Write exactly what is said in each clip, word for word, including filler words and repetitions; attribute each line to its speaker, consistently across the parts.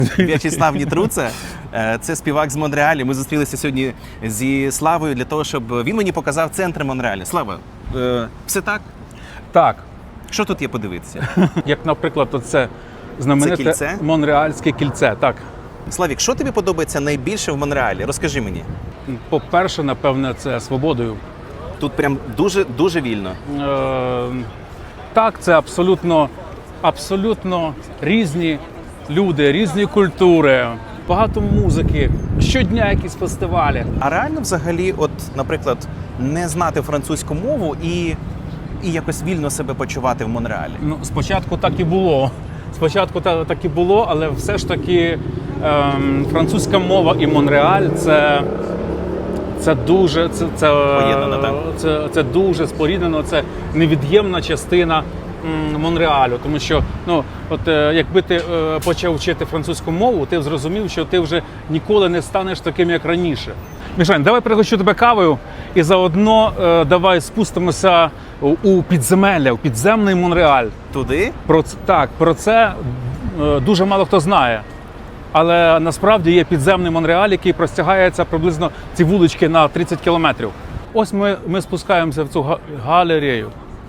Speaker 1: В'ячеслав Нітруца, це співак з Монреалі. Ми зустрілися сьогодні зі Славою для того, щоб він мені показав центр Монреаля. Слава, все так?
Speaker 2: Так.
Speaker 1: Що тут є подивитися?
Speaker 2: Як, наприклад, оце знамените
Speaker 1: кільце?
Speaker 2: Монреальське кільце. Так.
Speaker 1: Славік, що тобі подобається найбільше в Монреалі? Розкажи мені.
Speaker 2: По-перше, напевне, це свободою.
Speaker 1: Тут прям дуже, дуже вільно.
Speaker 2: Е, так, це абсолютно, абсолютно різні люди, різні культури, багато музики, щодня якісь фестивалі.
Speaker 1: А реально взагалі, от, наприклад, не знати французьку мову і, і якось вільно себе почувати в Монреалі?
Speaker 2: Ну, спочатку так і було. Спочатку так, так і було, але все ж таки ем, французька мова і Монреаль – це, це дуже це, це,
Speaker 1: Поєднано, так?
Speaker 2: Це, це дуже споріднено, це невід'ємна частина м, Монреалю. Тому що, ну, от, е, якби ти е, почав вчити французьку мову, ти б зрозумів, що ти вже ніколи не станеш таким, як раніше. Мішань, давай пригощу тебе кавою і заодно е, давай спустимося у підземелля, у підземний Монреаль.
Speaker 1: Туди?
Speaker 2: Про це, так, про це е, дуже мало хто знає. Але насправді є підземний Монреаль, який простягається приблизно ці вулички на тридцять кілометрів. Ось ми, ми спускаємося в цю га- галерею.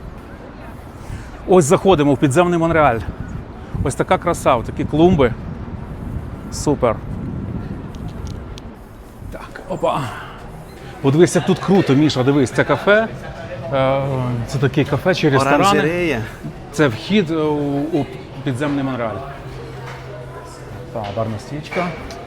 Speaker 2: Ось заходимо в підземний Монреаль. Ось така краса, такі клумби. Супер. Так, опа. Подивись, як тут круто, Міша, дивись, це кафе. Е, Це таке кафе чи ресторани.
Speaker 1: Оранжерея.
Speaker 2: Це вхід у, у підземний Монреаль. Так, барна стічка.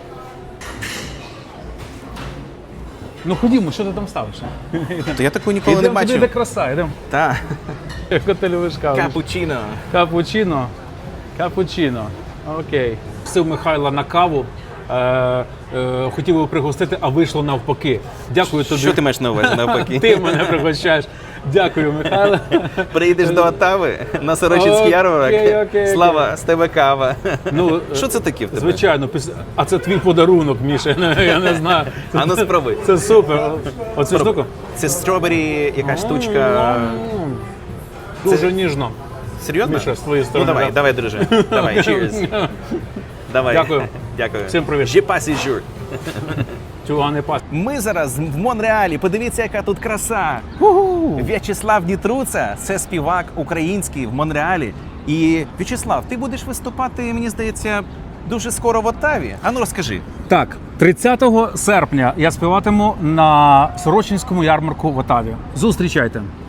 Speaker 2: Ну ходімо, що ти там ставиш?
Speaker 1: То я таку ніколи не
Speaker 2: Йдемо туди,
Speaker 1: бачив.
Speaker 2: де краса, йдемо.
Speaker 1: Так.
Speaker 2: Як ти любиш каву?
Speaker 1: Капучино.
Speaker 2: Капучино. Капучино. Окей. Просив Михайла на каву. Е, е, хотів його пригостити, а вийшло навпаки. Дякую тобі.
Speaker 1: Що ти маєш на увазі навпаки?
Speaker 2: Ти мене пригощаєш. Дякую, Михайло.
Speaker 1: Приїдеш до Оттави на Сорочинський
Speaker 2: Окей,
Speaker 1: ярмарок.
Speaker 2: окей, окей.
Speaker 1: Слава, з тебе кава.
Speaker 2: Ну,
Speaker 1: Що це таке в тебе?
Speaker 2: Звичайно, піс- а це твій подарунок, Міша, я не знаю.
Speaker 1: А ну спробуй.
Speaker 2: Це супер. Оцю штуку?
Speaker 1: Це стробері, яка штучка.
Speaker 2: Дуже ніжно.
Speaker 1: Серйозно?
Speaker 2: Міша, з твоєї сторони,
Speaker 1: Ну давай,
Speaker 2: так.
Speaker 1: давай, друже. Давай, cheers. Давай.
Speaker 2: Дякую.
Speaker 1: Дякую.
Speaker 2: Всім привіт.
Speaker 1: Je passe jour.
Speaker 2: Чого не пас.
Speaker 1: Ми зараз в Монреалі. Подивіться, яка тут краса. В'ячеслав Нітруца – це співак український в Монреалі. І, В'ячеслав, ти будеш виступати, мені здається, дуже скоро в Оттаві. А ну розкажи.
Speaker 2: Так, тридцятого серпня я співатиму на Сорочинському ярмарку в Оттаві. Зустрічайте.